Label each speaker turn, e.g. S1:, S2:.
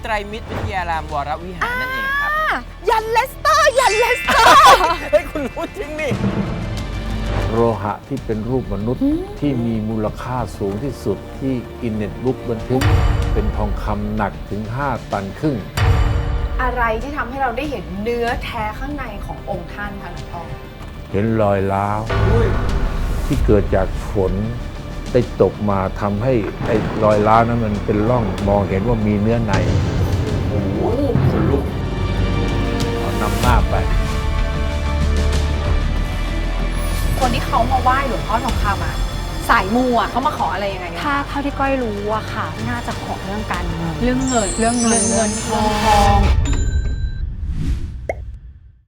S1: รมิตรวิทยารามวรวิหารนั่นเองครับ
S2: ยันเลสเตอร์ยันเลสเตอร์
S1: เฮ้ยคุณรู้จริงนี่
S3: โลหะที่เป็นรูปมนุษย์ที่มีมูลค่าสูงที่สุดที่กินเน็ตบุ๊กบันทึก เป็นทองคำหนักถึง 5 ตันครึ่ง
S2: อะไรที่ทำให้เราได้เห็นเนื้อแท้ข้างในขององค์ท่านคะหลวงพ่อ
S3: เห็นรอยร้าวที่เกิดจากฝนได้ตกมาทำให้ไอ้รอยร้าวนั้นมันเป็นร่องมองเห็นว่ามีเนื้อใน
S1: โอ้โหคนลุก
S3: เอานำหน้าไป
S2: คนที่เขามาไหว้หลวงพ่อทองคำอะสายมูอะเขามาขออะไรยังไงกัน
S4: ถ้าเท่าที่ก้อยรู้อะค่ะ น่าจะขอเรื่องการเงิน
S2: เรื่องเงิน
S4: เรื่องเงิน
S2: ทอง